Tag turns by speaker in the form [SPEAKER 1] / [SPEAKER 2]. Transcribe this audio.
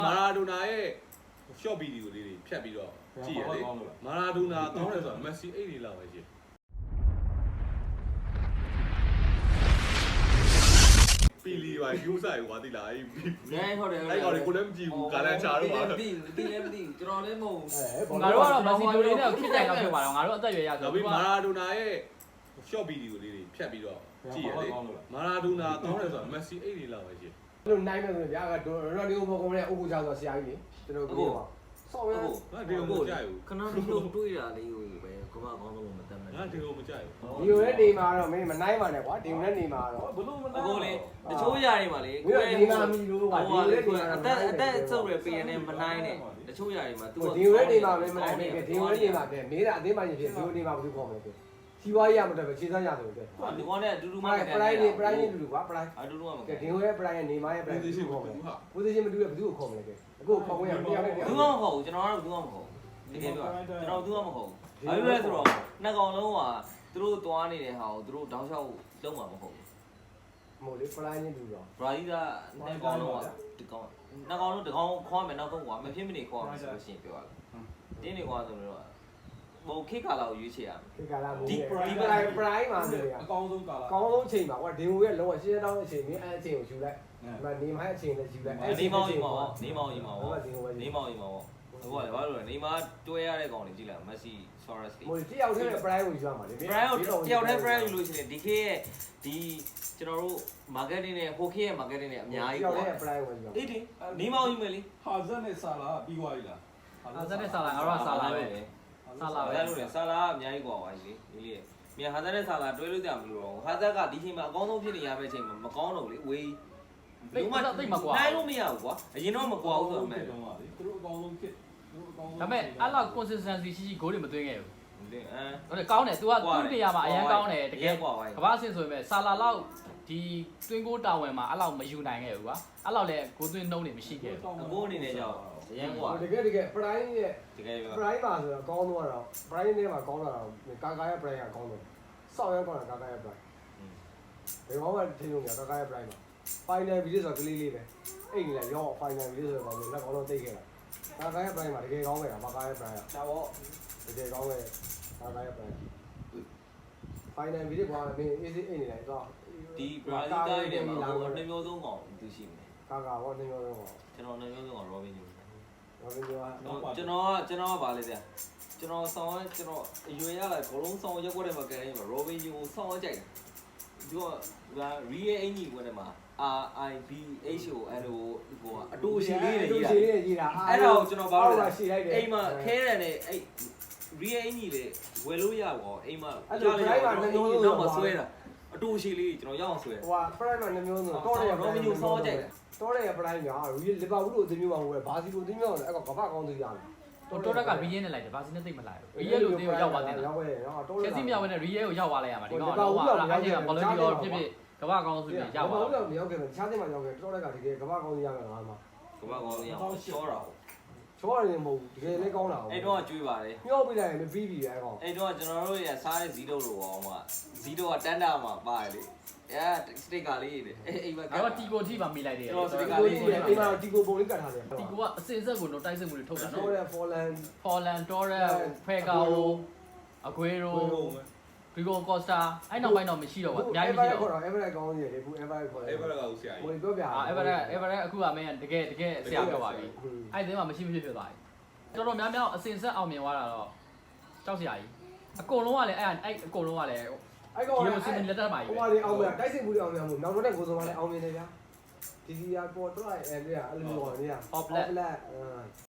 [SPEAKER 1] မာရာဒိုနာရဲ့ short video လေးတွေဖြတ်ပြီးတော့ကြည့်ရလေမာရာဒိုနာကောင်းတယ်ဆိုတာမက်ဆီ8လေးလောက်ပဲရှိပီလီပါယူဆိုင်ဝါတိလာအဲ့
[SPEAKER 2] ဟုတ်တယ်
[SPEAKER 1] အဲ့ကောင်ကိုလည်းမကြည့်ဘူးကာလန်ချာတော့ပါ
[SPEAKER 2] တီလည်းမသိကျွန်တော်လည်းမဟုတ်
[SPEAKER 3] ငါတို့ကတော့မက်ဆီဒိုလေးနဲ့ခစ်တိုင်တော့ဖြစ်ပါတော့ငါတို့အသက်ရွယ်ရဆို
[SPEAKER 1] တော့မာရာဒိုနာရဲ့ short video လေးတွေဖြတ်ပြီးတော့ကြည့်ရလေမာရာဒိုနာကောင်းတယ်ဆိုတာမက်ဆီ8လေးလောက်ပဲရှိ
[SPEAKER 4] လို့နိုင်မယ်ဆိုရင်ဗျာကရိုနာဒီယိုဘောကုန်းနဲ့အိုကိုချာဆိုဆရာကြီးလေကျွန်တော်ပြောပါဆော့ရ
[SPEAKER 1] ဒီလိုမကြိုက်ဘူး
[SPEAKER 2] ခဏလေးတွေးတာလေးကိုပဲကမကောင်းလို့မတတ်နိုင်
[SPEAKER 1] ငါဒီလိုမကြိုက်
[SPEAKER 4] ဘူးဒီလိုနဲ့နေမှာတော့မင်းမနိုင်ပါနဲ့ကွာဒီလိုနဲ့နေမှာတော့
[SPEAKER 2] ဘလို့မနိုင်ဘူးလေတချို့ຢာတွေမှာလေ
[SPEAKER 4] ကိုယ်ဒီမှာမီလို့ကွာဒီလိုနဲ့နေမှာ
[SPEAKER 2] အသက်ဆုပ်ရပေးနေမနိုင်နဲ့တချို့ຢာတွေမှာ तू
[SPEAKER 4] ဒီလိုနဲ့နေမှာမင်းမနိုင်ဘူးဒီလိုနဲ့နေမှာတဲ့မင်းကအသေးမှရင်ဖြစ်ဒီလိုနေမှာဘာလို့ခေါ်မလဲစီဝါရမတက်ပဲခြေစမ်းရဆိုတဲ့
[SPEAKER 2] ဒီကောင်နဲ့အတူတူမှ
[SPEAKER 4] ပရိုင်းတူကွာပရိုင်း
[SPEAKER 2] အတူတူမှမ
[SPEAKER 4] ကဲဒီလိုရဲ့ပရိုင်းရဲ့နေမရဲ့ပရိုင်းကိုခေါ်မယ် position မတူရဘယ်သူကိုခေါ်မလဲကဲအခုခေါ်ခွင့်ရမတရားနဲ့
[SPEAKER 2] ဘူးမှမဟုတ်ဘူးကျွန်တော်ကတော့ဘူးမှမဟုတ်ဘူးတကယ်ပြောကျွန်တော်ဘူးမှမဟုတ်ဘူးဘာလို့လဲဆိုတော့နှစ်ကောင်လုံးကသူတို့သွားနေတဲ့ဟာကိုသူတို့တောင်းလျှောက်လုံးမှာမဟုတ်ဘူး
[SPEAKER 4] မဟုတ်လေပရိုင်းချင်းတူတော့
[SPEAKER 2] ဘရာဇီးကနှစ်ကောင်လုံးကဒီကောင်နှစ်ကောင်လုံးဒီကောင်ခေါ်မယ်နောက်ဆုံးကွာမဖြစ်မနေခေါ်မယ်ဆိုလို့ရှိရင်ပြောရတယ်တင်းနေကွာဆိုတော့ဘိုခေတ်ကာလာကိုရွေးချယ်ရမယ်
[SPEAKER 4] ခေတ်ကာလာဒီပရိုင်းမှာဆိုရ
[SPEAKER 1] အကောင်းဆုံးကာလာ
[SPEAKER 4] အကောင်းဆုံးချိန်ပါကွာဒီဟိုရဲ့လုံးဝရှင်းတောင်းအချိန်မင်းအဲ့အချိန်ကိုယူလိုက်ဒီမှာနေမိုင်းအချိန်နဲ့ယူလိုက်
[SPEAKER 2] အဲ့ဒီမောင်ကြီးမှာနေမောင်ကြီးမှာနေမောင်ကြီးမှာဟိုကလေဘာလို့လဲနေမှာတွဲရတဲ့ကောင်တွေကြည့်လိုက်မက်ဆီဆော်ရက်စ်တွေ
[SPEAKER 4] ဟိုတယောက်တည်းပရိုင်းကိုယူရမှာလေ
[SPEAKER 2] ပရိုင်းကိုတယောက်တည်းပရိုင်းယူလို့ရှိရင်ဒီခေတ်ရဲ့ဒီကျွန်တော်တို့ marketing နဲ့ဟိုခေတ်ရဲ့ marketing နဲ့အများကြီး
[SPEAKER 4] ပေါ့တယောက်တည်းပရိုင်းကိုယူရ
[SPEAKER 2] အေးဒီနေမောင်ကြီးမယ်လေ
[SPEAKER 1] ဟာဇက်နဲ့ဆာလာပြီးသွားပြီလား
[SPEAKER 3] ဟာဇက်နဲ့ဆာလာငါတို့ကဆာလာပဲ
[SPEAKER 2] ဆာလာပဲလို့လေဆာလာကအများကြီးกว่าပါလေဒီလေမြန်ဟာဇက်နဲ့ဆာလာတွဲလို့ကြမလို့တော့ဟာဇက်ကဒီချိန်မှာအကောင်းဆုံးဖြစ်နေရတဲ့အချိန်မှာမကောင်းတော့လေဝေး
[SPEAKER 3] တိတ်မကွာ
[SPEAKER 2] နိုင်လို့မရဘူးကွာအရင်တော့မကွာဘူးဆိုတော့မယ်
[SPEAKER 1] သူတို့အကောင်းဆုံးဖြစ်
[SPEAKER 3] ဒါပေမဲ့အဲ့လောက် consistency ရှိရှိ goal တွေမသွင်းခဲ့ဘူး
[SPEAKER 2] ဟုတ်တယ်
[SPEAKER 3] ဟုတ်တယ်ကောင်းတယ် तू ကသူ့နေရာမှာအရင်ကောင်းတယ်တကယ်ကမ္ဘာအဆင့်ဆိုပေမဲ့ဆာလာလောက်ဒီတွင်းကိုတာဝန်မှာအဲ့လောက်မယူနိုင်ခဲ့ဘူးကွာအဲ့လောက်လည်းကိုသွင်းနှုံးနေမရှိခဲ့ဘူး
[SPEAKER 2] အကိုအနေနဲ့ကြောက်အရင်ကွာ
[SPEAKER 4] တကယ်ပရိုင်းရဲ့
[SPEAKER 2] တကယ်
[SPEAKER 4] ပရိုင်းပါဆိုတော့ကောင်းတော့တော့ပရိုင်းထဲမှာကောင်းတော့ကာကာရဲ့ပရိုင်းကကောင်းတော့ဆောက်ရဲကောင်းတာကာကာရဲ့ပရိုင်းဒီကောင်ကထင်လို့ကာကာရဲ့ပရိုင်းမှာ final video ဆိုတော့ကလေးလေးပဲအဲ့ဒီလေရော final video ဆိုတော့လက်ကောင်းတော့တိတ်ခဲ့တာကာကာရဲ့ပရိုင်းမှာတကယ်ကောင်းခဲ့တာကာကာရဲ့ပရိုင်းကဒါပေါ့တကယ်ကောင်းခဲ့ကာကာရဲ့ပရိုင်း final video ကလည်း easy အိတ်နေလိုက်တော့
[SPEAKER 2] ဒီဘရာဇီးတိုင်းထဲမှာဟိုနှစ်မျိုးသုံးကောင်သူရှိမယ်
[SPEAKER 4] ကာကာဘောနှစ်မျိုးသုံးကောင်
[SPEAKER 2] ကျွန်တော်နှစ်မျိုးသုံးကောင်ရောဘင်းယူ
[SPEAKER 4] ရောဘင်းယူက
[SPEAKER 2] ကျွန်တော်ကဗာလေဗျာကျွန်တော်ဆောင်းကျွန်တော်အရွယ်ရလာဘလုံးဆောင်းရက်ွက်တဲ့မှာကန်နေမှာရောဘင်းယူကိုဆောင်းကြိုက်တယ်သူကရီးရဲ့အင်ကြီးကွက်ထဲမှာ RIBHON ဟိုအတူရှိလေးတွေ
[SPEAKER 4] ကြီးတာ
[SPEAKER 2] အဲ့ဒါကိုကျွန်တော်ဘာလို့လဲအိမ်မှာခဲတယ်နဲ့အဲ့ရီးရဲ့အင်ကြီးလေဝယ်လို့ရပါအိမ်မှာ
[SPEAKER 4] ကြားလိုက်ပါနှစ်မျိုး
[SPEAKER 2] တော့မဆွဲတာအတူရှိလေးကျွန်တော်ရအောင်ဆွဲ
[SPEAKER 4] ဟိုက prime မှာနှစ်မျိုးဆိုတော့တယ်
[SPEAKER 2] ရောမညိုဆောင်းကြိုက်တယ်
[SPEAKER 4] တော့တယ် prime ညာလီဗာပူးလိုအသင်းမျိုးမှာဟိုဘာစီလိုအသင်းမျိုးလည်းအဲ့ကဘာကောင်းသေးရတယ်
[SPEAKER 3] တော်တက်ကရီးရဲနဲ့လိုက်တယ်ဘာစီနဲ့သိမလိုက်ဘူးရီးရဲလိုသေးကိုရောက်သွားတယ်
[SPEAKER 4] ရောက်ခဲ့တယ်နော်
[SPEAKER 3] တော်တယ်ချက်စီမြောက်ဝင်နဲ့ရီးရဲကိုရောက်သွားလိုက်ရမှာဒီကောင်တော့ဟာအားကြီးကဘောလုံးကြီးရောဖြစ်ဖြစ်ကမ္ဘာကောင်းဆိုပြီးရောက်သွား
[SPEAKER 4] တယ်မရောက်ခဲ့ဘူးခြားသိမှရောက်ခဲ့တော်တက်ကတကယ်ကမ္ဘာကောင်းရမယ်ငါမှ
[SPEAKER 2] ကမ္ဘာကောင်းရအောင်ရှောတာ
[SPEAKER 4] ချောရတယ်မဟုတ်တကယ်လည်းကောင်းတာ
[SPEAKER 2] အဲ့တော့ကျွေးပါတယ်
[SPEAKER 4] ညှော့ပြလိုက်ရင်မပြီးပြီအဲ့ကောင်
[SPEAKER 2] အဲ့တော့ကျွန်တော်တို့ရစားတဲ့ဇီးတုပ်လိုအောင်မှာဇီးတုပ်ကတန်းတာမှာပါတယ်လေအဲစတစ်ကာလေးတွေအိမ်မှာ
[SPEAKER 3] ကတော့တီကိုထိပါမိလိုက်တယ်
[SPEAKER 2] ကျွန်တော်စတစ်ကာလေးတွေ
[SPEAKER 4] အိမ်မှာတီကိုပုံလေးကတ်ထားတယ်
[SPEAKER 3] တီကိုကအစင်ဆက်ကိုတော့တိုက်စစ်မှုတွေထုတ်တာနော်
[SPEAKER 4] တော်တယ်ဖော်လန်
[SPEAKER 3] တော်ရဖဲကာရိုအကွေရိုဂရီဂိုကော့စတာအဲ့နောက်ပိုင်းတော့မရှိတော့ဘူးအများကြီးမရှိတော့
[SPEAKER 4] Everett ကောင်းနေတယ်လေဘူး Everett ခေါ်တယ်
[SPEAKER 1] Everett ကဦးဆရာကြီး
[SPEAKER 4] ဟိုပြောပြ
[SPEAKER 3] Everett အခုကမင်းတကယ်ဆရာပြောပါပြီအဲ့ဒီမှာမရှိဖြစ်သွားပြီတော်တော်များများအစင်ဆက်အောင်မြင်သွားတာတော့ကြောက်စရာကြီးအကုန်လုံးကလည်းအဲ့အကုန်လုံးကလည်း
[SPEAKER 4] အဲ့ကောင်
[SPEAKER 3] ဒီလိုစင်လက်တက်ပါကြီး
[SPEAKER 4] ဟိုကလေအောင်မြင်တိုက်စစ်မှုတွေအောင်မြင်မှုနောက်တော့တဲ့ကိုစုံကလည်းအောင်မြင်နေဗျာဒီစီယာပေါ်တော့အဲ့လေအဲ့လိုမျိုးပေါ့နေရ
[SPEAKER 3] Hop